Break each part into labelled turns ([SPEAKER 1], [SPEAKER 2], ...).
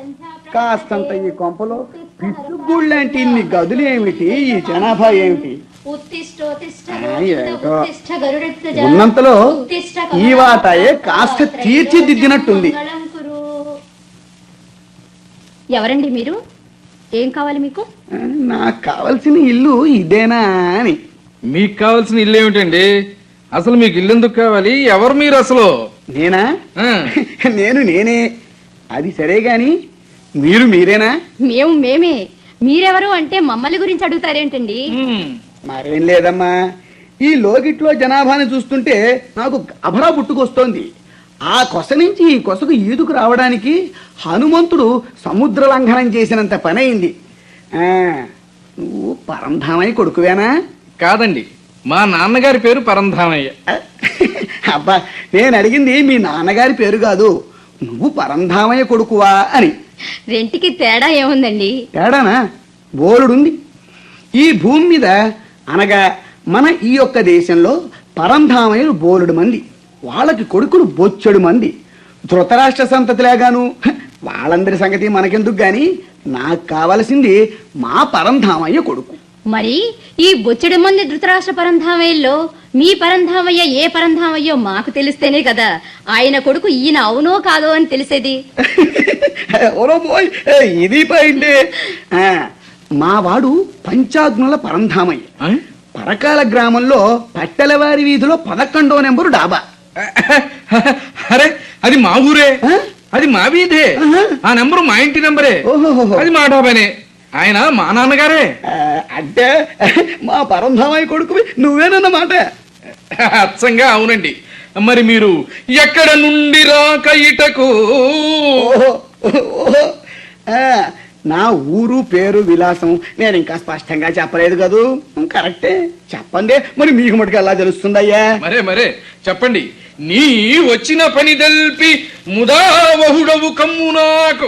[SPEAKER 1] కాస్తంత ఈ కొంపలో పిట్టుగుళ్ళంటి ఇన్ని గదులు ఏమిటి, ఈ జనాభా ఏమిటి? ఉన్నంతలో ఈ వాటాయే కాస్త తీర్చిదిద్దినట్టుంది.
[SPEAKER 2] ఎవరండి మీరు? ఏం కావాలి మీకు?
[SPEAKER 1] నాకు కావలసిన ఇల్లు ఇదేనా అని.
[SPEAKER 3] మీకు కావాల్సిన ఇల్లు ఏమిటండి? అసలు మీకు ఇల్లు ఎందుకు కావాలి? ఎవరు మీరు అసలు?
[SPEAKER 1] నేనా? నేనే. అది సరే గాని మీరు మీరేనా?
[SPEAKER 2] మేమే. మీరెవరు అంటే మమ్మల్ని గురించి అడుగుతారేంటండి?
[SPEAKER 1] మరేం లేదమ్మా, ఈ లోకిట్లో జనాభాని చూస్తుంటే నాకు అభరా పుట్టుకొస్తోంది. ఆ కొస నుంచి ఈ కొసకు ఈదుకు రావడానికి హనుమంతుడు సముద్ర లంఘనం చేసినంత పని అయింది. నువ్వు పరంధామయ్య కొడుకువేనా?
[SPEAKER 3] కాదండి, మా నాన్నగారి పేరు పరంధామయ్య.
[SPEAKER 1] అబ్బా, నేను అడిగింది మీ నాన్నగారి పేరు కాదు, నువ్వు పరంధామయ్య కొడుకువా అని.
[SPEAKER 2] రెంటికి తేడా ఏముందండి?
[SPEAKER 1] తేడానా? బోలుడుంది. ఈ భూమి మీద అనగా మన ఈ యొక్క దేశంలో పరంధామయ్యలు బోలుడు మంది, వాళ్ళకి కొడుకులు బొచ్చెడు మంది. ధృతరాష్ట్ర సంతతిలాగాను. వాళ్ళందరి సంగతి మనకెందుకు గాని, నాకు కావలసింది మా పరంధామయ్య కొడుకు.
[SPEAKER 2] మరి ఈ బొచ్చెడు మంది ధృతరాష్ట్ర పరంధామయ్యలో మీ పరంధామయ్య ఏ పరంధామయ్యో మాకు తెలిస్తేనే కదా ఆయన కొడుకు ఈయన అవునో కాదో అని తెలిసేది.
[SPEAKER 1] ఇది పోయింది. మా వాడు పంచాగ్నుల పరంధామయ్య. పరకాల గ్రామంలో పట్టెలవారి వీధిలో 11వ నెంబరు డాబా.
[SPEAKER 3] అరే, అది మా ఊరే, అది మా వీధే. ఆ నెంబరు మా ఇంటి నెంబరే, అది మా డాబానే. ఆయన మా నాన్నగారే.
[SPEAKER 1] అంటే మా పరంధామయ్య కొడుకు నువ్వేనన్నమాట.
[SPEAKER 3] అచ్చంగా అవునండి. మరి మీరు ఎక్కడ నుండి రాక ఇటకు?
[SPEAKER 1] నా ఊరు పేరు విలాసం నేను ఇంకా స్పష్టంగా చెప్పలేదు కదూ. కరెక్టే, చెప్పండి. మరి మీకు మటుకు ఎలా తెలుస్తుందయ్యా?
[SPEAKER 3] మరే చెప్పండి. నీ వచ్చిన పని తెల్పి ముదావహుడవు కమ్ము నాకు.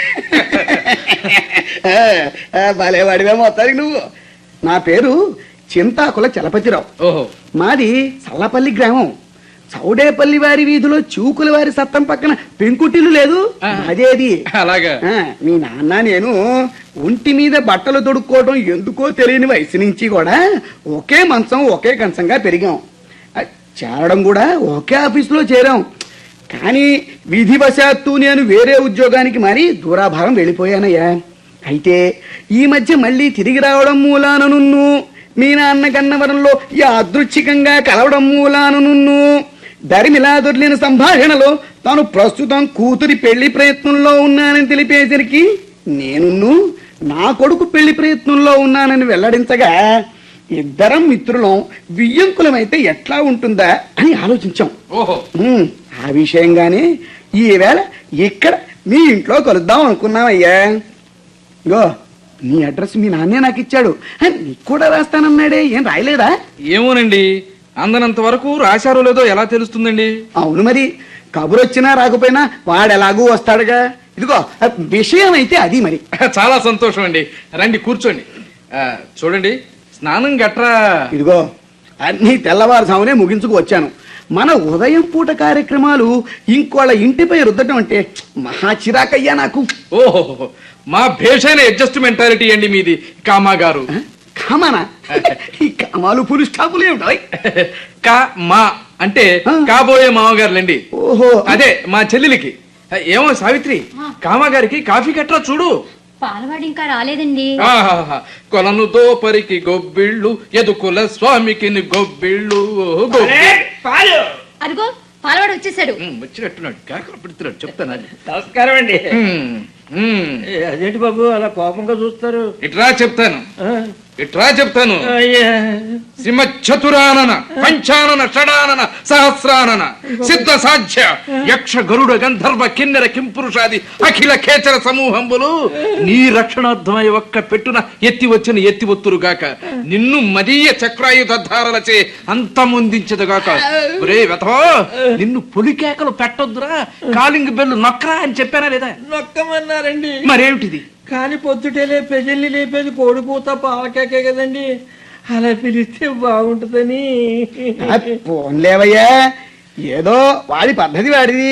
[SPEAKER 1] భలే వాడివే మొత్తానికి నువ్వు. నా పేరు చింతాకుల చలపతిరావు.
[SPEAKER 3] ఓహో.
[SPEAKER 1] మాది చల్లపల్లి గ్రామం. చౌడేపల్లి వారి వీధిలో చూకుల వారి సత్తం పక్కన పెంకుటిల్లు లేదు, అదేది.
[SPEAKER 3] అలాగా.
[SPEAKER 1] మీ నాన్న నేను ఒంటి మీద బట్టలు తొడుక్కోవడం ఎందుకో తెలియని వయసు నుంచి కూడా ఒకే మంచం ఒకే కంచంగా పెరిగాం. చేరడం కూడా ఒకే ఆఫీసులో చేరాం. కానీ విధివశాత్తు నేను వేరే ఉద్యోగానికి మారి దూరాభారం వెళ్ళిపోయానయ్యా. అయితే ఈ మధ్య మళ్ళీ తిరిగి రావడం మూలాన నున్ను మీ నాన్న గన్నవరంలో యాదృచ్ఛికంగా కలవడం మూలాన నున్ను దరిమిలా దొర్లిన సంభాషణలో తాను ప్రస్తుతం కూతురి పెళ్లి ప్రయత్నంలో ఉన్నానని తెలిపేసరికి నేను నా కొడుకు పెళ్లి ప్రయత్నంలో ఉన్నానని వెల్లడించగా ఇద్దరం మిత్రులం వియ్యంకులమైతే ఎట్లా ఉంటుందా అని ఆలోచించాం. ఆ విషయంగానే ఈవేళ ఇక్కడ మీ ఇంట్లో కలుద్దాం అనుకున్నామయ్యా. గో, నీ అడ్రస్ మీ నాన్నే నాకు ఇచ్చాడు. నీకు కూడా రాస్తానన్నాడే, ఏం రాయలేదా?
[SPEAKER 3] ఏమోనండి, అందనంత వరకు రాశారో లేదో ఎలా తెలుస్తుందండి?
[SPEAKER 1] అవును, మరి కబురొచ్చినా రాకపోయినా వాడెలాగూ వస్తాడుగా. ఇదిగో విషయం అయితే అది. మరి
[SPEAKER 3] చాలా సంతోషం అండి. రండి కూర్చోండి. చూడండి, స్నానం గట్రా
[SPEAKER 1] ఇదిగో అన్ని తెల్లవారుజామునే ముగించుకు వచ్చాను. మన ఉదయం పూట కార్యక్రమాలు ఇంకోళ్ళ ఇంటిపై రుద్దటం అంటే మహా చిరాకయ్యా నాకు.
[SPEAKER 3] ఓహో, మా భేషైన అడ్జస్ట్మెంటాలిటీ అండి మీది. కామా గారు.
[SPEAKER 1] కామానా? ఈ కామాలు పులి స్టాపులు ఏమిటాయి?
[SPEAKER 3] మా అంటే కాబోయే మామగారులండి.
[SPEAKER 1] ఓహో,
[SPEAKER 3] అదే మా చెల్లెలికి. ఏమో సావిత్రి, కామాగారికి కాఫీ కట్రా చూడు.
[SPEAKER 2] పాలవాడు ఇంకా రాలేదండి.
[SPEAKER 3] కొలను దోపరికి గొబ్బిళ్ళు, ఎదుకుల స్వామికి గొబ్బిళ్ళు.
[SPEAKER 2] అదిగో పాలవాడు వచ్చేసాడు.
[SPEAKER 3] వచ్చినట్టున్నాడు, కాకలు పెడుతున్నాడు. చెప్తాను.
[SPEAKER 4] నమస్కారం అండి. అదేంటి బాబు అలా కోపంగా చూస్తారు?
[SPEAKER 3] ఇట్రా చెప్తాను. సింహ చతురానన పంచానన షడానన సహస్రానన సిద్ధ సాధ్య యక్ష గరుడ గంధర్వ కిన్నెర కింపురుషాది అఖిల ఖేచర సమూహంబులు నీ రక్షణార్థమై ఒక్క పెట్టున ఎత్తి వచ్చిన ఎత్తి ఒత్తురుగాక, నిన్ను మదీయ చక్రాయుధారలచే అంతమొందించదుగాక. ఒరే వెతవో, నిన్ను పొలికేకలు పెట్టొద్దురా, కాలింగ్ బెల్లు నొక్కరా అని చెప్పానా లేదా?
[SPEAKER 4] నొక్కమన్నారండి.
[SPEAKER 3] మరేమిటిది?
[SPEAKER 4] కానీ పొద్దుటేలే ప్రజల్ని లేపేది కోడిపూత పాలకేకే కదండి, అలా పిలిస్తే బాగుంటుందని.
[SPEAKER 1] పోన్లేవయ్యా, ఏదో వాడి పద్ధతి వాడిది.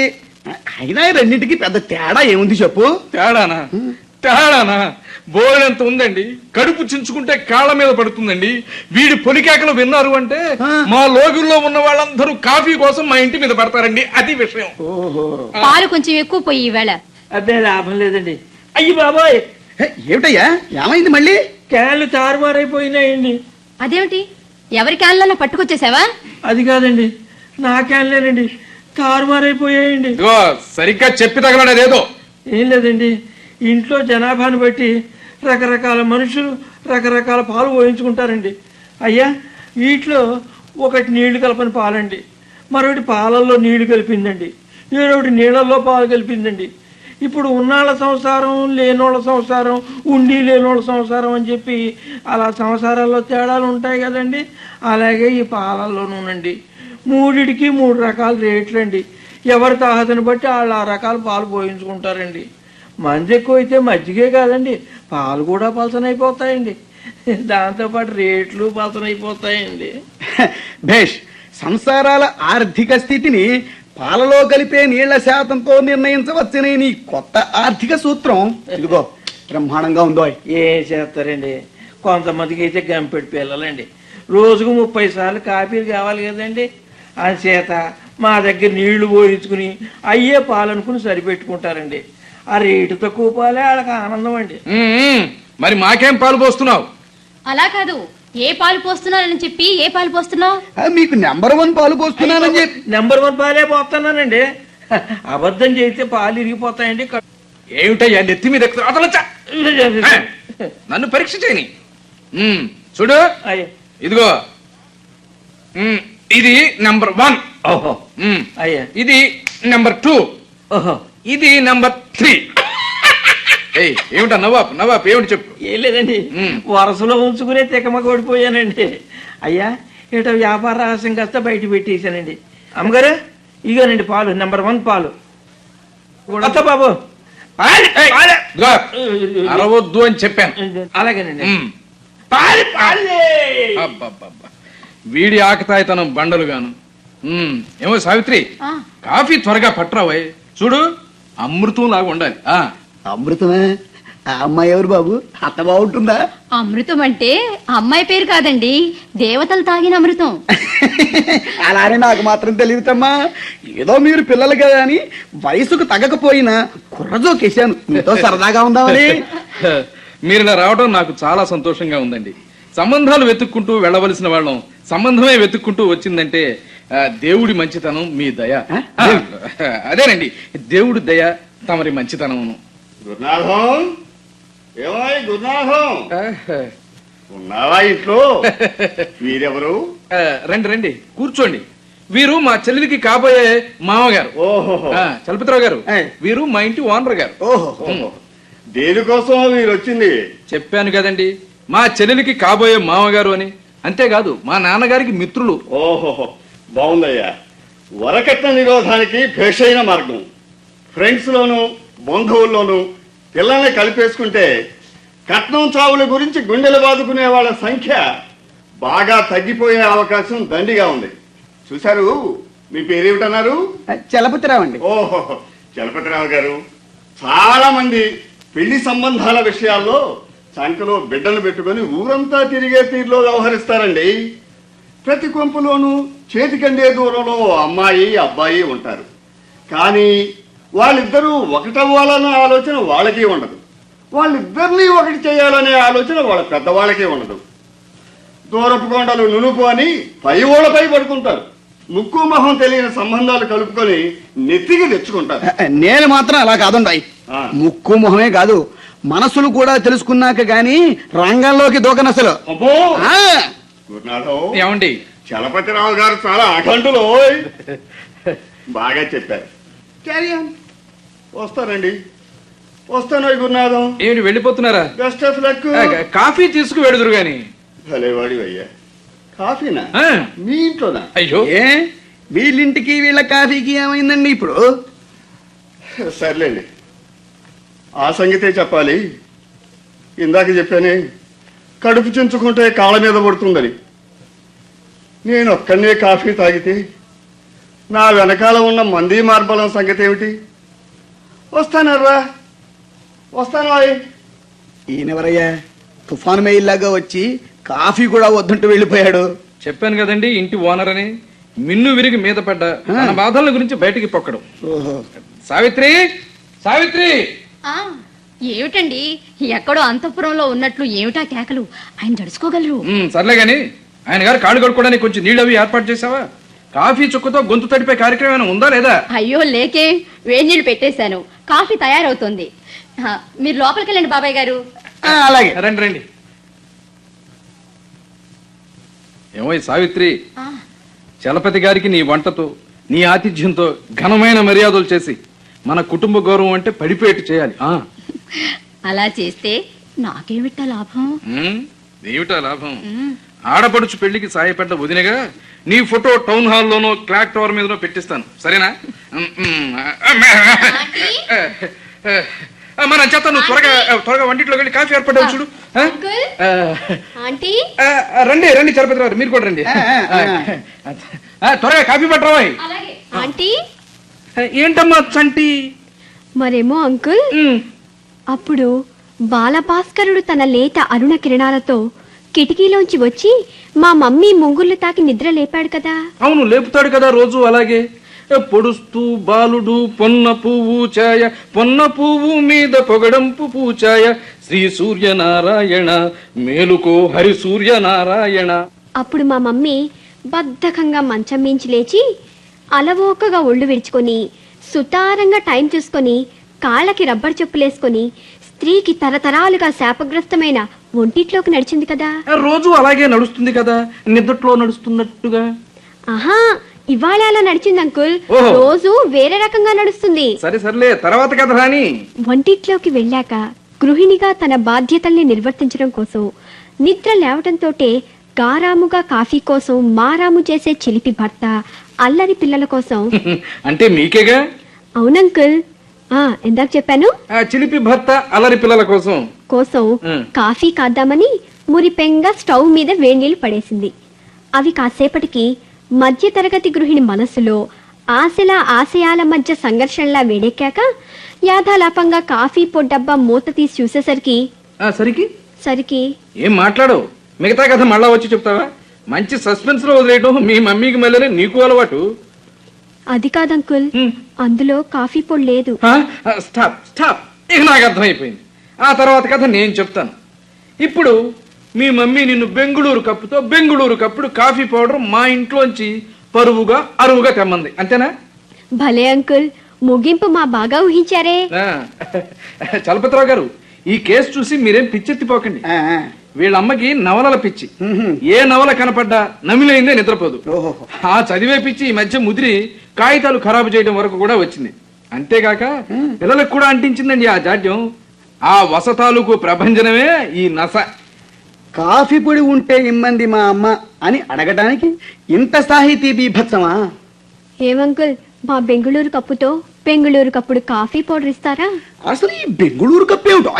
[SPEAKER 1] అయినా ఈ రెండింటికి పెద్ద తేడా ఏముంది చెప్పు.
[SPEAKER 3] తేడానా బోలెంత ఉందండి. కడుపు చించుకుంటే కాళ్ళ మీద పడుతుందండి. వీడి పొలికేకలు విన్నారు అంటే మా లోగుల్లో ఉన్న వాళ్ళందరూ కాఫీ కోసం మా ఇంటి మీద పడతారండి. అది విషయం.
[SPEAKER 2] పాలు కొంచెం ఎక్కువ పోయి ఈవేళ.
[SPEAKER 4] అదే లాభం లేదండి. అయ్యి బాబాయ్,
[SPEAKER 1] ఏమిటయ్యా ఏమైంది మళ్ళీ?
[SPEAKER 4] క్యాన్లు తారుమారైపోయినాయండి.
[SPEAKER 2] అదేమిటి, ఎవరి క్యాన్లన్నా పట్టుకొచ్చేసావా?
[SPEAKER 4] అది కాదండి, నా క్యాన్లేనండి తారుమారైపోయాయండి.
[SPEAKER 3] ఇదిగో సరిగ్గా చెప్పి తగలడేదో.
[SPEAKER 4] ఏం లేదండి, ఇంట్లో జనాభాను బట్టి రకరకాల మనుషులు రకరకాల పాలు పోయించుకుంటారండి. అయ్యా, వీటిలో ఒకటి నీళ్లు కలపని పాలండి, మరొకటి పాలల్లో నీళ్లు కలిపిందండి, ఏడొకటి నీళ్ళల్లో పాలు కలిపిందండి. ఇప్పుడు ఉన్నాళ్ళ సంసారం, లేనోళ్ళ సంసారం, ఉండి లేనోళ్ళ సంసారం అని చెప్పి అలా సంసారాల్లో తేడాలు ఉంటాయి కదండి. అలాగే ఈ పాలల్లోనూనండి మూడిటికి 3 రకాల రేట్లండి. ఎవరి తాహతను బట్టి వాళ్ళు ఆ రకాల పాలు పోయించుకుంటారండి. మంది ఎక్కువ అయితే మజ్జిగే కాదండి, పాలు కూడా పలసనైపోతాయండి. దాంతోపాటు రేట్లు పలసనైపోతాయండి.
[SPEAKER 1] భేష్, సంసారాల ఆర్థిక స్థితిని పాలలో కలిపే నీళ్ల శాతంతో నిర్ణయించవచ్చనే నీ కొత్త ఆర్థిక సూత్రం ఇదిగో బ్రహ్మాండంగా ఉందో.
[SPEAKER 4] ఏం చేస్తారండి, కొంతమందికి అయితే గంపెడి పిల్లలండి రోజుకు 30 సార్లు కాఫీలు కావాలి కదండి. చేత మా దగ్గర నీళ్లు పోయించుకుని అయ్యే పాలనుకుని సరిపెట్టుకుంటారండి. ఆ రేటు తక్కువ పాలే వాళ్ళకి ఆనందం అండి.
[SPEAKER 3] మరి మాకేం పాలు పోస్తున్నావు?
[SPEAKER 2] అలా కాదు, ఏ పాలు పోస్తున్నానని చెప్పి ఏ పాలు పోస్తున్నావు?
[SPEAKER 1] మీకు నెంబర్ 1 పాలు పోస్తున్నానని చెప్పి.
[SPEAKER 4] నెంబర్ 1 పాలే పోతున్నానండి. అబద్ధం చేస్తే పాలు ఇరిగిపోతాయండి.
[SPEAKER 3] ఏమిటయ్యా నెత్తి మీద అతలొచ్చా? నన్ను పరీక్ష చేయని. చూడు,
[SPEAKER 4] అయ్యా,
[SPEAKER 3] ఇదిగో ఇది నెంబర్ 1.
[SPEAKER 4] ఓహో అయ్యా,
[SPEAKER 3] ఇది నెంబర్ 2.
[SPEAKER 4] ఓహో
[SPEAKER 3] ఇది నెంబర్ 3. ఏమిటా నవాబ్ ఏమిటి చెప్పు.
[SPEAKER 4] ఏం లేదండి, వరసలో ఉంచుకునే తికమ ఓడిపోయానండి. అయ్యా, ఏటో వ్యాపార రహస్యం కాస్త బయట పెట్టేశానండి. అమ్మగారు, ఇగోనండి పాలు, నెంబర్ 1 పాలు. అత్త బాబు,
[SPEAKER 3] అరవద్దు అని చెప్పాను.
[SPEAKER 4] అలాగేనండి.
[SPEAKER 3] అబ్బబ్బబ్బా, వీడి ఆకతాయితనం బండలుగాను. ఏమో సావిత్రి, కాఫీ త్వరగా పట్టరావయ్. చూడు, అమృతం లాగా ఉండాలి.
[SPEAKER 1] అమృతమే? ఆ అమ్మాయి ఎవరు బాబు? అత్త బాగుంటుందా?
[SPEAKER 2] అమృతం అంటే అమ్మాయి పేరు కాదండి, దేవతలు తాగిన అమృతం.
[SPEAKER 1] అలానే నాకు మాత్రం తెలియదమ్మా. ఏదో మీరు పిల్లలు కదా అని వయసుకు తగ్గకపోయినా కుర్రజోకేశాను, మీతో సరదాగా ఉందామని.
[SPEAKER 3] మీరు ఇలా రావడం నాకు చాలా సంతోషంగా ఉందండి. సంబంధాలు వెతుక్కుంటూ వెళ్ళవలసిన వాళ్ళం సంబంధమే వెతుక్కుంటూ వచ్చిందంటే దేవుడి మంచితనం, మీ దయ. అదేనండి, దేవుడి దయ, తమరి మంచితనమును.
[SPEAKER 5] గురునాథం, ఏమాయ్ గురునాథం, ఉన్నావా ఇంట్లో? వీరెవరు?
[SPEAKER 3] రండి కూర్చోండి. వీరు మా చెల్లెలికి కాబోయే మామగారు.
[SPEAKER 5] ఓహో,
[SPEAKER 3] చలపతిరావు గారు. వీరు మా ఇంటి ఓనర్ గారు.
[SPEAKER 5] ఓహో, దేనికోసం వీరు వచ్చింది?
[SPEAKER 3] చెప్పాను కదండి, మా చెల్లెలికి కాబోయే మామగారు అని. అంతేకాదు, మా నాన్నగారికి మిత్రులు.
[SPEAKER 5] ఓహో, బాగుందయ్యా. వరకట్న నిరోధానికి భేషైన మార్గం. ఫ్రెండ్స్ లోను బంధువుల్లోనూ పిల్లల్ని కలిపేసుకుంటే కట్నం చావుల గురించి గుండెలు బాదుకునే వాళ్ళ సంఖ్య బాగా తగ్గిపోయే అవకాశం దండిగా ఉంది. చూశారు? మీ పేరేమిటన్నారు?
[SPEAKER 1] చలపతిరావు అండి.
[SPEAKER 5] ఓహో, చలపతిరావు గారు. చాలా మంది పెళ్లి సంబంధాల విషయాల్లో సంఖ్యలో బిడ్డలు పెట్టుకుని ఊరంతా తిరిగే తీరులో వ్యవహరిస్తారండి. ప్రతి కొంపులోనూ చేతికందే దూరంలో అమ్మాయి అబ్బాయి ఉంటారు. కానీ వాళ్ళిద్దరూ ఒకటవ్వాలన్న ఆలోచన వాళ్ళకి ఉండదు. వాళ్ళిద్దరినీ ఒకటి చేయాలనే ఆలోచన వాళ్ళ పెద్దవాళ్ళకి ఉండదు. దూరపు కొండలు నునుపు అని పై ఓళ్ళపై పడుకుంటారు. ముక్కు మొహం తెలియని సంబంధాలు కలుపుకొని నెత్తికి తెచ్చుకుంటారు.
[SPEAKER 1] నేను మాత్రం అలా కాదుండాయి. ముక్కు మొహమే కాదు, మనసులు కూడా తెలుసుకున్నాక గాని రంగంలోకి దూకనసలు.
[SPEAKER 5] అబ్బో, గురునాథం,
[SPEAKER 3] ఏమండి,
[SPEAKER 5] చలపతిరావు గారు చాలా అఖండులో. బాగా చెప్పారు. వస్తానండి, వస్తాను గురునాథం.
[SPEAKER 3] ఏమిటి వెళ్ళిపోతున్నారా?
[SPEAKER 5] Best of luck.
[SPEAKER 3] కాఫీ తీసుకు వెడుదురు గాని.
[SPEAKER 5] భలేవాడి అయ్యా. కాఫీనా? మీ ఇంట్లోనా?
[SPEAKER 3] అయ్యో,
[SPEAKER 1] ఏ వీళ్ళింటికి వీళ్ళ కాఫీకి ఏమైందండి ఇప్పుడు?
[SPEAKER 5] సర్లేండి, ఆ సంగతే చెప్పాలి. ఇందాక చెప్పానే, కడుపు చించుకుంటే కాళ్ళ మీద పడుతుందని. నేను ఒక్కనే కాఫీ తాగితే నా వెనకాల ఉన్న మంది మార్బలం సంగతి ఏమిటి? వస్తానర్రా, వస్తాను.
[SPEAKER 1] ఈయనెవరయ్యా తుఫాను మెయిల్లాగా వచ్చి కాఫీ కూడా వద్దంటూ వెళ్ళిపోయాడు?
[SPEAKER 3] చెప్పాను కదండి ఇంటి ఓనర్ అని. మిన్ను విరిగి మీద పడ్డ తన బాధల గురించి బయటికి పొక్కడం.
[SPEAKER 1] ఓహో.
[SPEAKER 3] సావిత్రి, సావిత్రి!
[SPEAKER 2] ఆ ఏమిటండి ఎక్కడో అంతఃపురంలో ఉన్నట్లు ఏమిటా కేకలు? ఆయన జడుచుకోగలరు.
[SPEAKER 3] సర్లే గాని ఆయన గారు కాళ్ళు కడుక్కోవడానికి కొంచెం నీళ్ళు అవి ఏర్పాటు చేసావా? కాఫీ చుక్కతో గొంతు తడిపే కార్యక్రమం ఏమైనా ఉందా లేదా?
[SPEAKER 2] అయ్యో లేకే, వేడి నీళ్ళు పెట్టేశాను, కాఫీ తయారవుతుంది. మీరు లోపలికి వెళ్ళండి బాబాయ్ గారు.
[SPEAKER 1] అలాగే.
[SPEAKER 3] రండి రండి. ఏమో సావిత్రి,
[SPEAKER 2] ఆ,
[SPEAKER 3] చలపతి గారికి నీ వంటతో నీ ఆతిథ్యంతో ఘనమైన మర్యాదలు చేసి మన కుటుంబ గౌరవం అంటే పడిపోయేట్టు చేయాలి.
[SPEAKER 2] అలా చేస్తే నాకేమిటా లాభం?
[SPEAKER 3] ఏమిటా లాభం? ఆడపడుచు పెళ్లికి సాయపడ్డ వదినగా నీ ఫోటో టౌన్ హాల్లోనో క్లాక్ టవర్ మీదనో పెట్టిస్తాను, సరేనా? మన చేత నువ్వు త్వరగా వంటింట్లోకి వెళ్ళి కాఫీ ఏర్పడ్డావు చూడు.
[SPEAKER 2] అంకుల్, ఆంటీ,
[SPEAKER 3] రండి రండి చలపతి గారు, మీరు కూడా రండి. త్వరగా కాఫీ పట్టరావా?
[SPEAKER 2] అలాగే. ఆంటీ,
[SPEAKER 3] ఏంటమ్మా చంటి?
[SPEAKER 6] మరేమో అంకుల్, అప్పుడు బాలభాస్కరుడు తన లేత అరుణ కిరణాలతో కిటికీలోంచి వచ్చి మా మమ్మీ ముంగుళ్ళు తాకి నిద్ర లేపాడు కదా.
[SPEAKER 3] అవును, లేపుతాడు కదా రోజు అలాగే. పొడుస్తూ బాలుడు పొన్న పువ్వు ఛాయ, పొన్న పువ్వు మీద పొగడంపు పూచాయ, శ్రీ సూర్యనారాయణ మేలుకో హరి సూర్యనారాయణ.
[SPEAKER 6] అప్పుడు మా మమ్మీ బద్ధకంగా మంచం మించి లేచి అలవోకగా ఒళ్ళు విరుచుకొని సుతారంగా టైం చూసుకొని కాళ్ళకి రబ్బర్ చెప్పులేసుకొని స్త్రీకి తరతరాలుగా శాపగ్రస్తమైన ఒంటిట్లోకి నడిచింది కదా.
[SPEAKER 3] రోజు అలాగే నడుస్తుంది కదా, నిద్రలో నడుస్తున్నట్టుగా.
[SPEAKER 6] ఆహా, ఇవాళ అలా నడిచింది అంకుల్.
[SPEAKER 3] ఓహో.
[SPEAKER 6] రోజు వేరే రకంగా నడుస్తుంది.
[SPEAKER 3] సరే సర్లే, తర్వాత కథ రాని.
[SPEAKER 6] వంటిట్లోకి వెళ్ళాక గృహిణిగా తన బాధ్యతల్ని నిర్వర్తించడం కోసం నిద్ర లేవటంతోటే గారాముగా కాఫీ కోసం మారాము చేసే చిలిపి భర్త, అల్లరి పిల్లల కోసం.
[SPEAKER 3] అంటే మీకేగా?
[SPEAKER 6] అవునంకుల్, ఎందాక చెప్పాను,
[SPEAKER 3] చిలిపి భర్త అల్లరి పిల్లల కోసం
[SPEAKER 6] కోసం కాఫీ కాద్దామని మురిపెంగా స్టవ్ మీద వేడినీళ్లు పడేసింది. అవి కాసేపటికి మధ్య తరగతి గృహిణి మనసులో ఆశల ఆశయాల మధ్య సంఘర్షణలా వేడెక్కాక యాథాలాపంగా కాఫీ పొడ్డబ్బా మూత తీసి చూసేసరికి సరికి
[SPEAKER 3] ఏం మాట్లాడవు? మిగతా కథ మళ్ళా వచ్చి చెప్తావా? మంచి సస్పెన్స్ లో వదిలేయటం మీ మమ్మీకి మళ్ళీ నీకు అలవాటు.
[SPEAKER 6] అది కాదంకుల్, అందులో కాఫీ పొడి లేదు.
[SPEAKER 3] స్టాప్ స్టాప్, ఇక నాకు అర్థమైపోయింది. ఆ తర్వాత కథ నేను చెప్తాను. ఇప్పుడు మీ మమ్మీ నిన్ను బెంగుళూరు కప్పుడు కాఫీ పౌడర్ మా ఇంట్లోంచి పరువుగా అరువుగా తెమ్మంది, అంతేనా?
[SPEAKER 6] భలే అంకుల్, ముగింపు మా బాగా ఊహించారే.
[SPEAKER 3] చలపతిరావు గారు, ఈ కేసు చూసి మీరేం పిచ్చెత్తిపోకండి. వీళ్ళమ్మకి నవలల పిచ్చి. ఏ నవల కనపడ్డా నమిలైందే నిద్రపోదు. ఆ చదివే పిచ్చి ఈ మధ్య ముదిరి కాగితాలు ఖరాబు చేయడం వరకు కూడా వచ్చింది. అంతేగాక పిల్లలకు కూడా అంటించిందండి ఆ జాడ్యం. ఆ వసతాలకు ప్రభంజనమే ఈ నస.
[SPEAKER 1] కాఫీ పొడి ఉంటే ఇమ్మంది మా అమ్మ అని అడగటానికి ఇంత సాహితీ బీభత్సమా?
[SPEAKER 6] ఏమంకుల్, మా బెంగుళూరు కప్పుతో బెంగుళూరు కప్పుడు కాఫీ పౌడర్ ఇస్తారా?
[SPEAKER 1] అసలు ఈ బెంగుళూరు కప్పు ఏమిటో?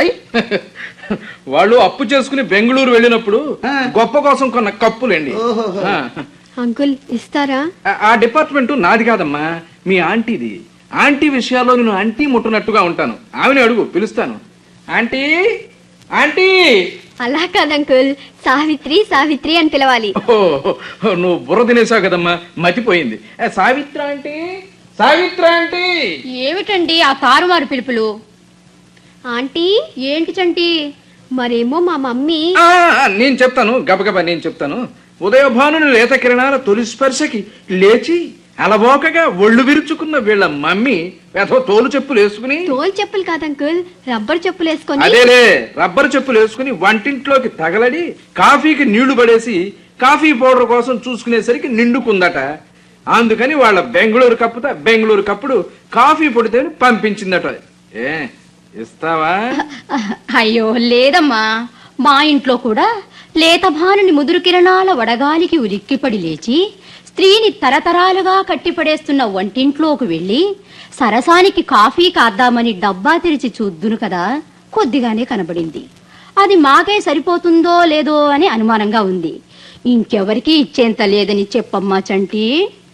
[SPEAKER 3] వాళ్ళు అప్పు చేసుకుని బెంగుళూరు వెళ్ళినప్పుడు గొప్ప కోసం కొన్న కప్పులేండి.
[SPEAKER 6] అంకుల్, ఇస్తారా?
[SPEAKER 3] ఆ డిపార్ట్మెంట్ నాది కాదమ్మా, మీ ఆంటీది. ఆంటీ విషయాల్లో నేను ఆంటీ ముట్టునట్టుగా ఉంటాను. ఆమెను అడుగు, పిలుస్తాను. Aunty aunty.
[SPEAKER 6] అలా కాదంకుల్, సావిత్రి సావిత్రి అని పిలవాలి.
[SPEAKER 3] నువ్వు బుర్ర తినేసావు కదమ్మా, మతిపోయింది. Savitra aunty, Savitra aunty.
[SPEAKER 2] ఏమిటండి ఆ తారుమారు పిలుపులు?
[SPEAKER 6] ఆంటీ.
[SPEAKER 2] ఏంటి చంటి?
[SPEAKER 6] మరేమో మా మమ్మీ.
[SPEAKER 3] నేను చెప్తాను, గబగబా నేను చెప్తాను. ఉదయభానుని లేత కిరణాల తొలి స్పర్శకి లేచి అలవోకగా ఒళ్ళు విరుచుకున్న వీళ్ళ మమ్మీ తోలు చెప్పులు వేసుకుని.
[SPEAKER 6] తోలు చెప్పులు కాదంకుల్, రబ్బర్ చెప్పులు వేసుకొని.
[SPEAKER 3] అదేలే, రబ్బర్ చెప్పులు వేసుకుని వంటింట్లోకి తగలడి కాఫీకి నీళ్లు పడేసి కాఫీ పౌడర్ కోసం చూసుకునేసరికి నిండుకుందట. అందుకని వాళ్ళ బెంగుళూరు కప్పుడు కాఫీ పొడితే పంపించిందట. ఇస్తావా?
[SPEAKER 2] అయ్యో లేదమ్మా, మా ఇంట్లో కూడా లేత భానుని ముదురు కిరణాల వడగాలికి ఉలిక్కిపడి లేచి స్త్రీని తరతరాలుగా కట్టిపడేస్తున్న వంటింట్లోకి వెళ్ళి సరసానికి కాఫీ కాద్దామని డబ్బా తెరిచి చూద్దును కదా, కొద్దిగానే కనబడింది. అది మాకే సరిపోతుందో లేదో అని అనుమానంగా ఉంది. ఇంకెవరికి ఇచ్చేంత లేదని చెప్పమ్మా చంటి.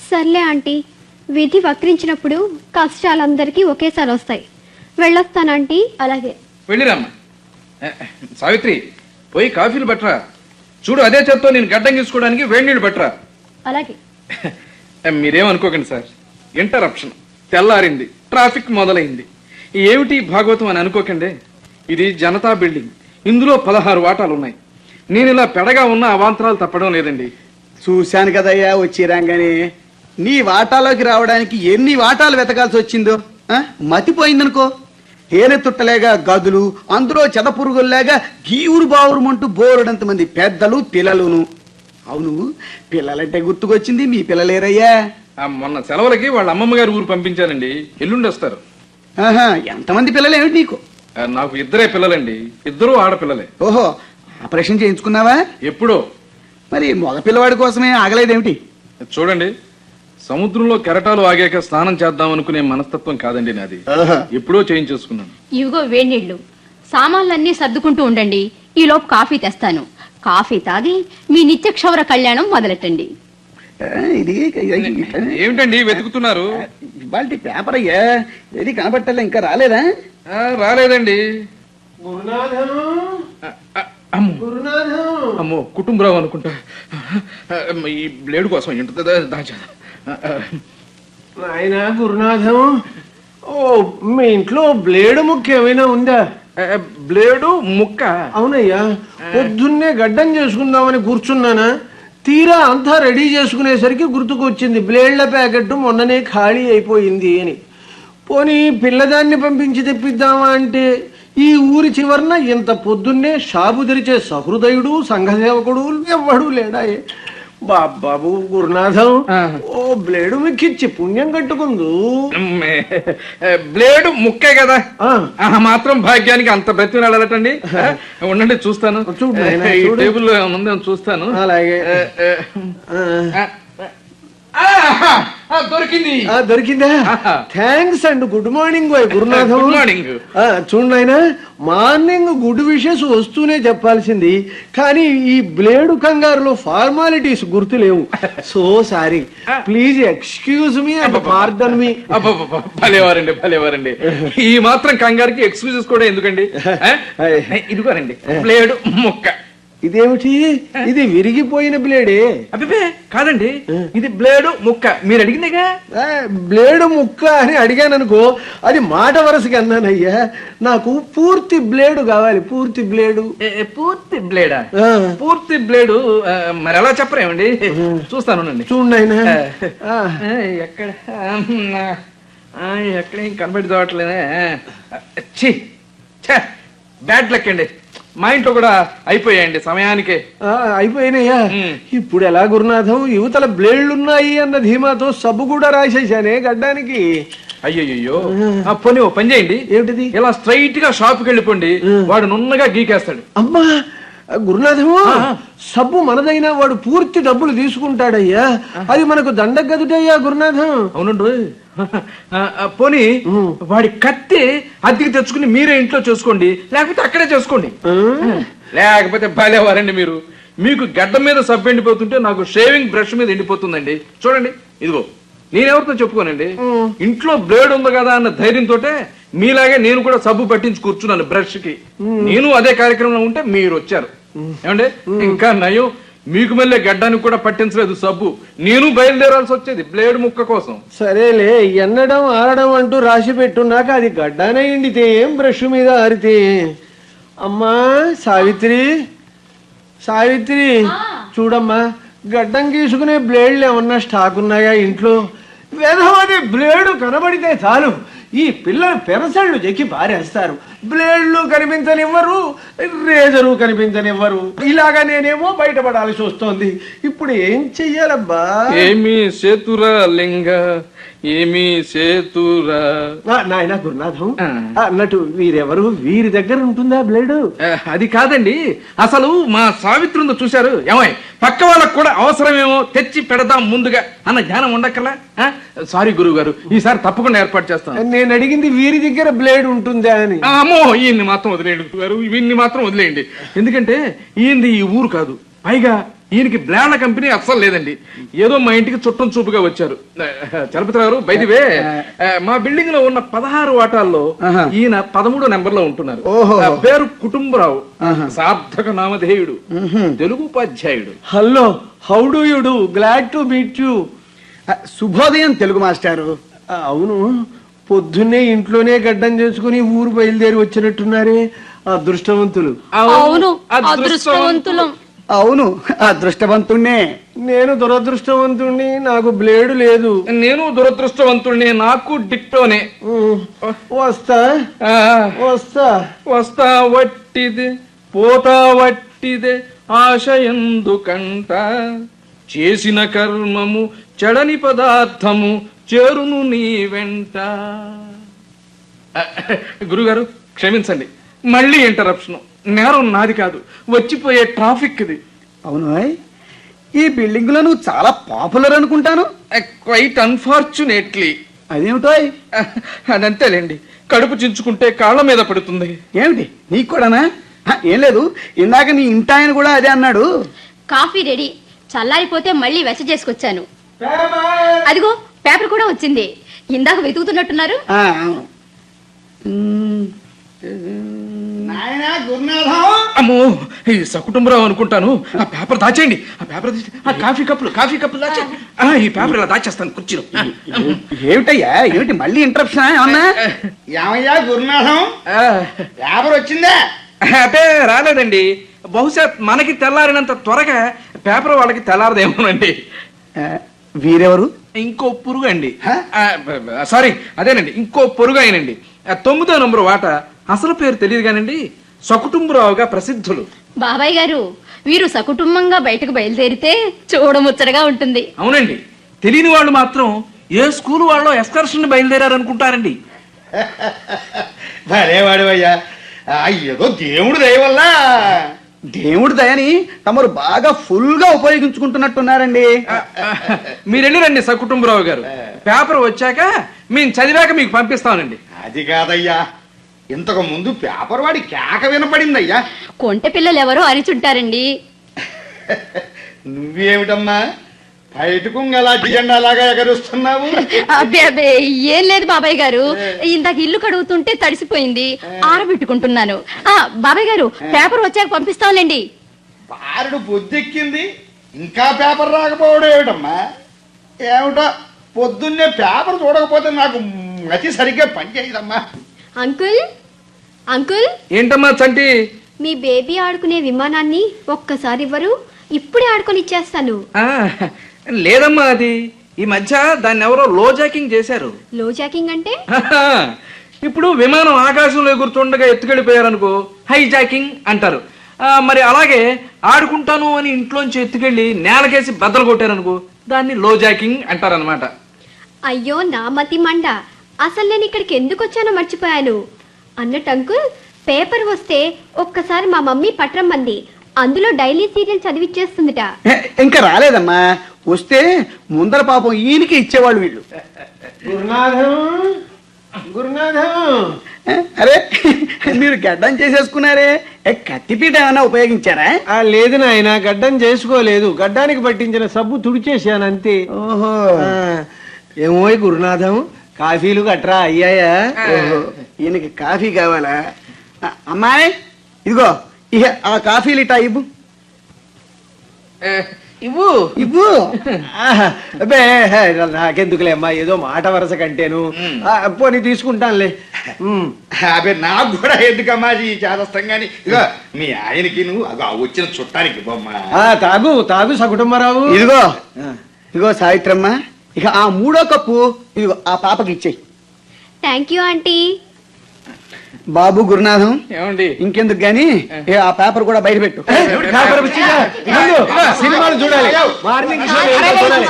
[SPEAKER 6] సర్లే ఆంటీ, విధి వక్రించినప్పుడు కష్టాలందరికీ ఒకేసారి వస్తాయి. వెళ్ళొస్తానంటీ.
[SPEAKER 2] అలాగే.
[SPEAKER 3] వెళ్ళిరామ్మా. సావిత్రి, పోయి కాఫీలు పట్టరా. చూడు, అదే చేత్తో నేను గడ్డం గీసుకోవడానికి వేడి నీళ్ళు పట్టరా.
[SPEAKER 2] అలాగే.
[SPEAKER 3] మీరేమనుకోకండి సార్, ఇంటరప్షన్, తెల్లారింది, ట్రాఫిక్ మొదలైంది, ఏమిటి భాగవతం అని అనుకోకండి. ఇది జనతా బిల్డింగ్, ఇందులో 16 వాటాలు ఉన్నాయి. నేను ఇలా పెడగా ఉన్న అవాంతరాలు తప్పడం లేదండి.
[SPEAKER 1] చూశాను కదయ్యా వచ్చి రాగానే. నీ వాటాలోకి రావడానికి ఎన్ని వాటాలు వెతకాల్సి వచ్చిందో. మతిపోయిందనుకో. తేనె తుట్టలేగా గదులు, అందులో చెదపురుగుల్లాగా గీవురు బావురుమంటూ బోరుడంత మంది పెద్దలు పిల్లలును. అవును, పిల్లలంటే గుర్తుకొచ్చింది, మీ పిల్లలేరయ్యా?
[SPEAKER 3] మొన్న సెలవులకి వాళ్ళ అమ్మమ్మ గారు ఊరు పంపించానండి, ఎల్లుండి వస్తారు.
[SPEAKER 1] ఆహా, ఎంతమంది పిల్లలు ఏమిటి నీకు?
[SPEAKER 3] నాకు 2 పిల్లలండి, 2 ఆడపిల్లలే.
[SPEAKER 1] ఓహో, ఆపరేషన్ చేయించుకున్నావా?
[SPEAKER 3] ఎప్పుడో.
[SPEAKER 1] మరి మగ పిల్లవాడి కోసమే ఆగలేదేమిటి?
[SPEAKER 3] చూడండి, సముద్రంలో కెరటాలు ఆగాక స్నానం చేద్దాం అనుకునే మనస్తత్వం కాదండి నాది. ఎప్పుడో చేయించేసుకున్నాను.
[SPEAKER 2] ఇవిగో వేడినీళ్ళు. సామాన్లన్నీ సర్దుకుంటూ ఉండండి, ఈలోపు కాఫీ తెస్తాను. కాఫీ తాగి మీ నిత్య క్షౌర కళ్యాణం మొదలెట్టండి.
[SPEAKER 1] ఇది
[SPEAKER 3] ఏమిటండి వెతుకుతున్నారు?
[SPEAKER 1] ఇవాళ పేపర్ అయ్యా, ఏది కనబట్టలే, ఇంకా రాలేదా?
[SPEAKER 3] రాలేదండి.
[SPEAKER 4] గురునాథం,
[SPEAKER 3] అమ్మో, కుటుంబరావు అనుకుంటా. ఈ బ్లేడ్ కోసం ఏంటో దాచా.
[SPEAKER 4] నాయనా గురునాథం, ఓ మీ ఇంట్లో బ్లేడు ముక్క ఏమైనా ఉందా?
[SPEAKER 3] బ్లేడు ముక్క?
[SPEAKER 4] అవునయ్యా, పొద్దున్నే గడ్డం చేసుకుందామని కూర్చున్నానా, తీరా అంతా రెడీ చేసుకునేసరికి గుర్తుకొచ్చింది బ్లేడ్ల ప్యాకెట్ మొన్ననే ఖాళీ అయిపోయింది అని. పోనీ పిల్లదాన్ని పంపించి తెప్పిద్దామా అంటే ఈ ఊరి చివరన ఇంత పొద్దున్నే షాపు తెరిచే సహృదయుడు సంఘసేవకుడు ఎవ్వడూ లేడాయే. బాబు గురునాథం, ఓ బ్లేడు మిక్కిచ్చి పుణ్యం కట్టుకుందు.
[SPEAKER 3] బ్లేడు ముక్కే కదా, మాత్రం భాగ్యానికి అంత బ్రతిలాడటండి. ఉండండి చూస్తాను. టేబుల్ ముందే చూస్తాను.
[SPEAKER 4] అలాగే.
[SPEAKER 3] దొరికింది.
[SPEAKER 4] దొరికిందా? Thanks and good morning Gurunatham.
[SPEAKER 3] Good morning.
[SPEAKER 4] చూడైనా, మార్నింగ్ గుడ్ విషెస్ వస్తూనే చెప్పాల్సింది, కానీ ఈ బ్లేడు కంగారులో ఫార్మాలిటీస్ గుర్తులేవు. So sorry, please excuse me and pardon me.
[SPEAKER 3] భలేవారండి, భలేవారండి. ఈ మాత్రం కంగారుకి ఎక్స్క్యూజెస్ కూడా ఎందుకండి? ఇదిగోనండి బ్లేడు ముక్క.
[SPEAKER 4] ఇదేమిటి, ఇది విరిగిపోయిన బ్లేడే?
[SPEAKER 3] అబ్బే కాదండి, ఇది బ్లేడు ముక్క. మీరు అడిగిందేగా.
[SPEAKER 4] బ్లేడు ముక్క అని అడిగాననుకో, అది మాట వరసకి అన్నానయ్యా. నాకు పూర్తి బ్లేడు కావాలి, పూర్తి బ్లేడు.
[SPEAKER 3] పూర్తి బ్లేడా? పూర్తి బ్లేడు మరి ఎలా చెప్పరేమండి? చూస్తాను.
[SPEAKER 4] చూడండి.
[SPEAKER 3] ఎక్కడ ఎక్కడేం కనబడి చూడట్లేదే. బ్యాడ్ లక్ అండి. మా ఇంట్లో కూడా అయిపోయాయండి సమయానికే.
[SPEAKER 4] అయిపోయినాయా? ఇప్పుడు ఎలా గురునాథం? యువతల బ్లేడ్లున్నాయి అన్న ధీమాతో సబ్బు కూడా రాసేసానే గడ్డానికి.
[SPEAKER 3] అయ్యయ్యో, పోనీ ఓ పని చేయండి.
[SPEAKER 4] ఏమిటిది?
[SPEAKER 3] ఇలా స్ట్రైట్ గా షాప్కి వెళ్ళిపోండి, వాడు నున్నగా గీకేస్తాడు.
[SPEAKER 4] అమ్మా గురునాథము, సబ్బు మనదైనా వాడు పూర్తి డబ్బులు తీసుకుంటాడయ్యా. అది మనకు దండగదుటయ్యా గురునాథం.
[SPEAKER 3] అవునండి. పోనీ వాడి కత్తి అద్దెకి తెచ్చుకుని మీరే ఇంట్లో చేసుకోండి, లేకపోతే అక్కడే చేసుకోండి. లేకపోతే భలేవారండి మీరు. మీకు గడ్డ మీద సబ్బు ఎండిపోతుంటే నాకు షేవింగ్ బ్రష్ మీద ఎండిపోతుందండి. చూడండి, ఇదిగో నేనెవరితో చెప్పుకోనండి, ఇంట్లో బ్లేడ్ ఉంది కదా అన్న ధైర్యంతో మీలాగే నేను కూడా సబ్బు పట్టించి కూర్చున్నాను బ్రష్ కి. నేను అదే కార్యక్రమంలో ఉంటే మీరు వచ్చారు. ఏమండి, ఇంకా నయం, మీకు మళ్ళీ గడ్డానికి కూడా పట్టించలేదు సబ్బు. నేను బయలుదేరాల్సి వచ్చేది బ్లేడ్ ముక్క కోసం.
[SPEAKER 4] సరేలే, ఎన్నడం ఆరడం అంటూ రాసి పెట్టున్నాక అది గడ్డానే ఎండితే ఏం బ్రష్ మీద ఆరితే. అమ్మా సావిత్రి, సావిత్రి చూడమ్మా, గడ్డం గీసుకునే బ్లేడ్లు ఏమన్నా స్టాక్ ఉన్నాయా ఇంట్లో? వెధవది బ్లేడు కనబడితే చాలు ఈ పిల్లలు పెరసళ్ళు చెక్కి పారేస్తారు. బ్లేడ్లు కనిపించనివ్వరు, రేజరు కనిపించనివ్వరు. ఇలాగా నేనేమో బయటపడాల్సి వస్తోంది. ఇప్పుడు ఏం చెయ్యాలబ్బా?
[SPEAKER 3] ఏమి సేతురా లింగ, ఏమి సేతురా.
[SPEAKER 4] నాయన గురునాథం, అన్నట్టు వీరెవరు? వీరి దగ్గర ఉంటుందా బ్లేడు?
[SPEAKER 3] అది కాదండి, అసలు మా సావిత్రి ఉందో చూశారు. ఏమై పక్క వాళ్ళకు కూడా అవసరమేమో తెచ్చి పెడదాం ముందుగా అన్న జ్ఞానం ఉండక్కర్లా? సారీ గురువు గారు, ఈసారి తప్పకుండా ఏర్పాటు చేస్తాను.
[SPEAKER 4] నేను అడిగింది వీరి దగ్గర బ్లేడ్ ఉంటుందా అని.
[SPEAKER 3] అమ్మో, ఈయన్ని మాత్రం వదిలేయండి గురువు గారు, వీన్ని మాత్రం వదిలేయండి. ఎందుకంటే ఈయనది ఈ ఊరు కాదు, పైగా ఈయనకి బ్లాండ్ల కంపెనీ అస్సలు లేదండి. ఏదో మా ఇంటికి చుట్టం చూపుగా వచ్చారు. చలపతి గారు బైదివే, మా బిల్డింగ్ లో ఉన్న 16 వాటాల్లో ఈయన 13 నెంబర్ లో ఉంటున్నారు. పేరు కుటుంబరావు, సార్థక నామధేయుడు, తెలుగు ఉపాధ్యాయుడు.
[SPEAKER 4] Hello, how do you do? Glad to meet you.
[SPEAKER 1] శుభోదయం తెలుగు మాస్టారు.
[SPEAKER 4] అవును, పొద్దున్నే ఇంట్లోనే గడ్డం చేసుకుని ఊరు బయలుదేరి వచ్చినట్టున్నారే, అదృష్టవంతులు.
[SPEAKER 2] అవును, అదృష్టవంతులం.
[SPEAKER 1] అవును, అదృష్టవంతుణ్ణే.
[SPEAKER 4] నేను దురదృష్టవంతుణ్ణి, నాకు బ్లేడు లేదు.
[SPEAKER 3] నేను దురదృష్టవంతుడిని, నాకు డిక్టోనే.
[SPEAKER 4] వస్తా వస్తా
[SPEAKER 3] వస్తా వట్టిదే పోతా వట్టిదే ఆశ ఎందుకంట, చేసిన కర్మము చెడని పదార్థము చేరును నీ వెంట. గురుగారు క్షమించండి, మళ్ళీ ఇంటరప్షన్. నేరం నాది కాదు, వచ్చిపోయే ట్రాఫిక్ ఇది.
[SPEAKER 1] అవును, ఈ బిల్డింగ్ లో నువ్వు చాలా పాపులర్ అనుకుంటాను.
[SPEAKER 3] Quite unfortunately.
[SPEAKER 1] అదేమిటో
[SPEAKER 3] అదంతేలేండి, కడుపు చించుకుంటే కాళ్ళ మీద పడుతుంది.
[SPEAKER 1] ఏమిటి నీకు కూడానా? ఏం లేదు, ఇందాక నీ ఇంటాయన కూడా అదే అన్నాడు.
[SPEAKER 2] కాఫీ రెడీ, చల్లారిపోతే మళ్ళీ వెచ్చ చేసుకొచ్చాను. అదిగో పేపర్ కూడా వచ్చింది. ఇందాక వెతుకుతున్నట్టున్నారు.
[SPEAKER 1] నాయనా గురునాథం.
[SPEAKER 3] అమ్మో, ఈ సకుటుంబరావు అనుకుంటాను. ఆ పేపర్ దాచేయండి, ఆ పేపర్ ఆ కాఫీ కప్పులు దాచేయండి. ఈ పేపర్ ఇలా దాచేస్తాను కుర్చీలో.
[SPEAKER 1] ఏమిటయ్యా, ఏమిటి మళ్ళీ ఇంటరప్షన్ ఏమన్నా? ఏమయ్యా గురునాథం, పేపర్ వచ్చిందా?
[SPEAKER 3] అంటే రాలేదండి. బహుశా మనకి తెల్లారినంత త్వరగా పేపర్ వాళ్ళకి తెల్లారదేమోనండి.
[SPEAKER 1] వీరెవరు?
[SPEAKER 3] ఇంకో పురుగు అండి. సారీ, అదేనండి, ఇంకో పొరుగు అయినండి. 9వ నంబరు వాట. అసలు పేరు తెలియదు కానండి, సకుటుంబరావుగా ప్రసిద్ధులు.
[SPEAKER 2] బాబాయ్ గారు, వీరు సకుటుంబంగా బయటకు బయలుదేరితే చూడముచ్చటగా ఉంటుంది.
[SPEAKER 3] అవునండి, తెలియని వాళ్ళు మాత్రం ఏ స్కూల్ వాళ్ళు ఎక్స్కర్షన్ బయలుదేరారనుకుంటారండి.
[SPEAKER 5] భలేవాడు అయ్యా, ఏదో దేవుడు దయ వల్ల.
[SPEAKER 1] దేవుడి దయని తమరు బాగా ఫుల్ గా ఉపయోగించుకుంటున్నట్టున్నారండి.
[SPEAKER 3] మీరెళ్ళిరండి సకుటుంబరావు గారు, పేపర్ వచ్చాక మేము చదివాక మీకు పంపిస్తానండి.
[SPEAKER 5] అది కాదయ్యా, ఇంతకు ముందు పేపర్ వాడి కేక వినపడిందయ్యా.
[SPEAKER 2] కొంటె పిల్లలు ఎవరో అరిచుంటారండి.
[SPEAKER 5] నువ్వేమిటమ్మా బయటకు అలాంటి జెండా లాగా ఎగరుస్తున్నావు?
[SPEAKER 2] అబ్బే అబ్బే, ఏం లేదు బాబాయ్ గారు, ఇందాక ఇల్లు కడుగుతుంటే తడిసిపోయింది, ఆరబెట్టుకుంటున్నాను. బాబాయ్ గారు, పేపర్ వచ్చాక పంపిస్తాంలేండి.
[SPEAKER 5] బారుడు పొద్దెక్కింది, ఇంకా పేపర్ రాకపోవడం ఏమిటమ్మా? ఏమిటో పొద్దున్నే పేపర్ చూడకపోతే నాకు మతి సరిగ్గా పనిచేయదమ్మా.
[SPEAKER 6] అంకుల్, అంకుల్,
[SPEAKER 3] ఏంటమ్మా చంటి?
[SPEAKER 6] మీ బేబీ ఆడుకునే విమానాన్ని ఒక్కసారి ఇవ్వరు? ఇప్పుడే ఆడుకొని ఇచ్చేస్తాను.
[SPEAKER 3] లేదమ్మా, అది ఈ మధ్య దాన్ని ఎవరో లో జాకింగ్ చేశారు.
[SPEAKER 6] లో జాకింగ్ అంటే?
[SPEAKER 3] ఇప్పుడు విమానం ఆకాశంలో ఎగురుతుండగా ఎత్తుకెళ్ళిపోయారనుకో హై జాకింగ్ అంటారు. మరి అలాగే ఆడుకుంటాను అని ఇంట్లోంచి ఎత్తుకెళ్ళి నేలకేసి బద్దలు కొట్టారనుకో దాన్ని లో జాకింగ్ అంటారనమాట.
[SPEAKER 6] అయ్యో నా మతి మండ, అసలు నేను ఇక్కడికి ఎందుకు వచ్చానో మర్చిపోయాను. అన్నట్టు అంకుల్, పేపర్ వస్తే ఒక్కసారి మా మమ్మీ పట్రమ్మంది, అందులో డైలీ సీరియల్ చదివిచ్చేస్తుందిట.
[SPEAKER 1] ఇంకా రాలేదమ్మా, వస్తే ముందర పాపం ఈయనకి ఇచ్చేవాళ్ళు వీళ్ళు.
[SPEAKER 4] గురునాథం, గురునాథం.
[SPEAKER 1] అరే, మీరు గడ్డం చేసేసుకున్నారే, కత్తిపీట ఏమైనా ఉపయోగించారా?
[SPEAKER 4] లేదు నాయన, గడ్డం చేసుకోలేదు, గడ్డానికి పట్టించిన సబ్బు తుడిచేసాను అంతే.
[SPEAKER 1] ఓహో,
[SPEAKER 4] ఏమో గురునాథం, కాఫీలు గట్రా అయ్యాయా?
[SPEAKER 1] ఓహో, ఈయనకి కాఫీ కావాలా? అమ్మాయి, ఇదిగో ఇక ఆ కాఫీలు ఇటా ఇవ్వు.
[SPEAKER 3] ఇవ్వు
[SPEAKER 1] ఇవ్వు.
[SPEAKER 4] అబ్బే, నాకెందుకులే అమ్మా, ఏదో మాట వరస కంటేను. పోనీ తీసుకుంటానులే.
[SPEAKER 5] అదే నాకు కూడా ఎందుకమ్మా ఈ చేదస్తం గాని. ఇగో మీ ఆయనకి నువ్వు వచ్చిన చుట్టానికి బొమ్మ.
[SPEAKER 4] తాగు తాగు సకుటుంబరావు.
[SPEAKER 1] ఇదిగో ఇదిగో సావిత్రమ్మ, ఇక ఆ 3వ కప్పు ఇదిగో ఆ పాపకి ఇచ్చేయి.
[SPEAKER 6] Thank you aunty.
[SPEAKER 1] బాబు గురునాథం,
[SPEAKER 3] ఏమండి
[SPEAKER 1] ఇంకెందుకు గాని ఆ పేపర్ కూడా బయట పెట్టు.
[SPEAKER 4] సినిమాలు చూడాలి, మార్నింగ్ షో చూడాలి.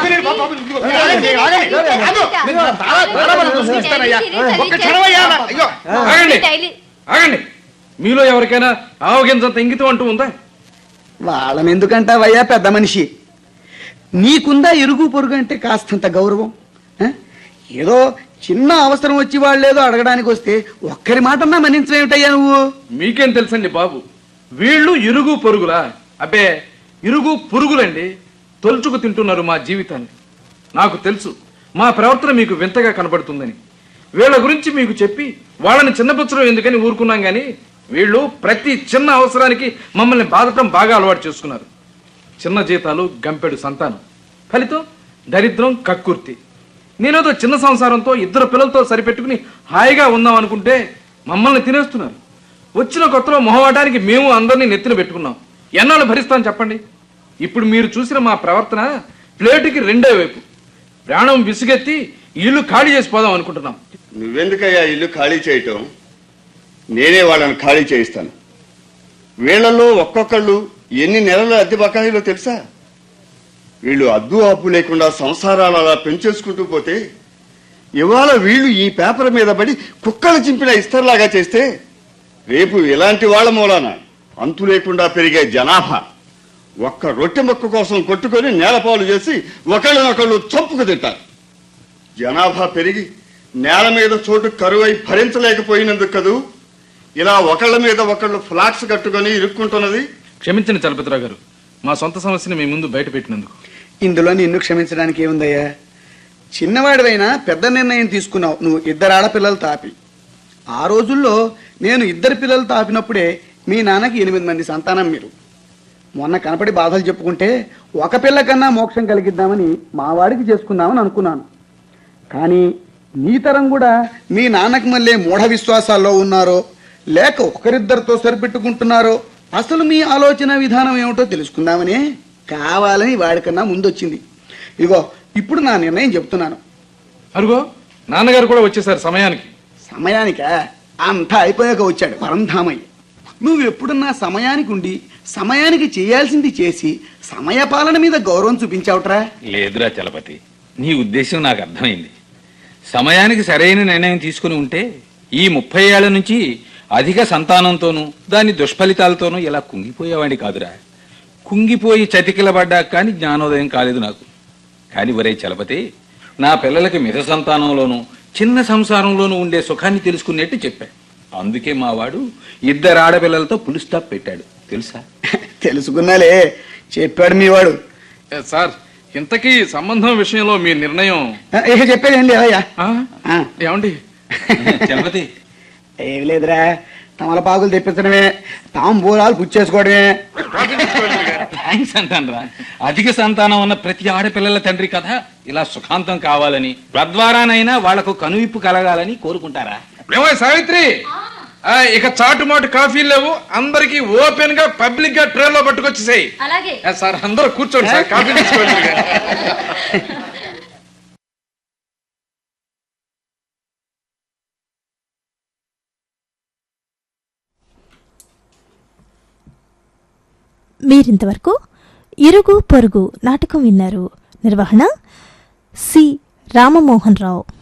[SPEAKER 3] ఆగండి, మీలో ఎవరికైనా ఆవగించంత ఇంగితం అంటూ ఉందా?
[SPEAKER 1] వాళ్ళని ఎందుకంటావయ్యా పెద్ద మనిషి, నీకుందా ఇరుగు పొరుగు అంటే కాస్తంత గౌరవం? ఏదో చిన్న అవసరం వచ్చి వాళ్ళేదో అడగడానికి వస్తే ఒక్కరి మాటన్నా మన్నించవేమిటయ్యా నువ్వు?
[SPEAKER 3] మీకేం తెలుసండి బాబు, వీళ్ళు ఇరుగు పొరుగులా? అబ్బే, ఇరుగు పురుగులండి. తొలుచుకు తింటున్నారు మా జీవితాన్ని. నాకు తెలుసు మా ప్రవర్తన మీకు వింతగా కనబడుతుందని. వీళ్ళ గురించి మీకు చెప్పి వాళ్ళని చిన్నపుచ్చడం ఎందుకని ఊరుకున్నాం గాని వీళ్ళు ప్రతి చిన్న అవసరానికి మమ్మల్ని బాధటం బాగా అలవాటు చేసుకున్నారు. చిన్న జీతాలు, గంపెడు సంతానం, ఫలితం దరిద్రం, కక్కుర్తి. నేనేదో చిన్న సంసారంతో 2 పిల్లలతో సరిపెట్టుకుని హాయిగా ఉందాం అనుకుంటే మమ్మల్ని తినేస్తున్నారు. వచ్చిన కొత్తలో మొహవాటానికి మేము అందరినీ నెత్తిన పెట్టుకున్నాం. ఎన్నాళ్ళు భరిస్తాను చెప్పండి? ఇప్పుడు మీరు చూసిన మా ప్రవర్తన ప్లేటుకి 2వ వైపు. ప్రాణం విసుగెత్తి ఇల్లు ఖాళీ చేసిపోదాం అనుకుంటున్నాం.
[SPEAKER 5] నువ్వెందుకయ్యా ఇల్లు ఖాళీ చేయటం? నేనే వాళ్ళని ఖాళీ చేయిస్తాను. వీళ్ళల్లో ఒక్కొక్కళ్ళు ఎన్ని నెలల అద్దె బకాయిలో తెలుసా? వీళ్ళు అద్దు ఆపు లేకుండా సంసారాలు అలా పెంచేసుకుంటూ పోతే ఇవాళ వీళ్ళు ఈ పేపర్ మీద పడి కుక్కలు చింపిన ఇస్తర్లాగా చేస్తే రేపు ఇలాంటి వాళ్ళ మూలాన అంతు లేకుండా పెరిగే జనాభా ఒక్క రొట్టె మొక్క కోసం కొట్టుకొని నేలపాలు చేసి ఒకళ్ళనొకళ్ళు చంపుకు తింటారు. జనాభా పెరిగి నేల మీద చోటు కరువై భరించలేకపోయినందుకు కదూ ఇలా ఒకళ్ళ మీద ఒకళ్ళు ఫ్లాట్స్ కట్టుకొని ఇరుక్కుంటున్నది.
[SPEAKER 3] క్షమించండి చలపతిరావు గారు, మా సొంత సమస్యని మీ ముందు బయట పెట్టినందుకు.
[SPEAKER 1] ఇందులో నిన్ను క్షమించడానికి ఏముందయ్యా? చిన్నవాడివైనా పెద్ద నిర్ణయం తీసుకున్నావు. నువ్వు 2 ఆడపిల్లలు తాపి. ఆ రోజుల్లో నేను 2 పిల్లలు తాపినప్పుడే మీ నాన్నకి 8 మంది సంతానం. మీరు మొన్న కనపడి బాధలు చెప్పుకుంటే ఒక పిల్ల కన్నా మోక్షం కలిగిద్దామని మా వాడికి చేసుకుందామని అనుకున్నాను. కానీ నీ తరం కూడా మీ నాన్నకి మళ్ళీ మూఢ విశ్వాసాల్లో ఉన్నారో లేక ఒకరిద్దరితో సరిపెట్టుకుంటున్నారో అసలు మీ ఆలోచన విధానం ఏమిటో తెలుసుకుందామని కావాలని వాడికన్నా ముందొచ్చింది. ఇగో ఇప్పుడు నా నిర్ణయం చెప్తున్నాను.
[SPEAKER 3] అరుగో నాన్నగారు కూడా వచ్చేసారు సమయానికి.
[SPEAKER 1] సమయానికా? అంతా అయిపోయాక వచ్చాడు పరంధామయ్య. నువ్వు ఎప్పుడన్నా సమయానికి ఉండి సమయానికి చేయాల్సింది చేసి సమయపాలన మీద గౌరవం చూపించావుట్రా?
[SPEAKER 7] లేదురా చలపతి, నీ ఉద్దేశం నాకు అర్థమైంది. సమయానికి సరైన నిర్ణయం తీసుకుని ఉంటే ఈ 30 ఏళ్ల నుంచి అధిక సంతానంతోనూ దాని దుష్ఫలితాలతోనూ ఇలా కుంగిపోయేవాడిని కాదురా. కుంగిపోయి చతికిలబడ్డా కానీ జ్ఞానోదయం కాలేదు నాకు. కాని ఒరే చలపతి, నా పిల్లలకి మిత సంతానంలోనూ చిన్న సంసారంలోనూ ఉండే సుఖాన్ని తెలుసుకునేట్టు చెప్పా. అందుకే మా వాడు 2 ఆడపిల్లలతో పులి స్టాప్ పెట్టాడు తెలుసా?
[SPEAKER 1] తెలుసుకున్నాలే, చెప్పాడు మీ వాడు.
[SPEAKER 3] సార్, ఇంతకీ సంబంధం విషయంలో మీ నిర్ణయం?
[SPEAKER 1] ఇక చెప్పేది ఏం లేదయ్యా.
[SPEAKER 3] ఏమండి
[SPEAKER 7] చలపతి,
[SPEAKER 1] ఏమి లేదురా, తమలపాకులు తెప్పించడమే, తాంబూలాలు పుచ్చేసుకోవడమే.
[SPEAKER 7] థ్యాంక్స్ అంటానురా. అధిక సంతానం ఉన్న ప్రతి ఆడపిల్లల తండ్రి కథ ఇలా సుఖాంతం కావాలని, తద్వారానైనా వాళ్లకు కనువిప్పు కలగాలని కోరుకుంటారా?
[SPEAKER 3] ఏమో సావిత్రి, ఇక చాటుమాటు కాఫీలు లేవు, అందరికి ఓపెన్ గా పబ్లిక్ గా ట్రైన్ లో పట్టుకొచ్చేసాయి.
[SPEAKER 2] అలాగే
[SPEAKER 3] సార్, అందరూ కూర్చోండి సార్, కాఫీ తీసుకోండి.
[SPEAKER 8] మీరింతవరకు ఇరుగు పొరుగు నాటకం విన్నారు. నిర్వహణ సి రామమోహన్ రావు.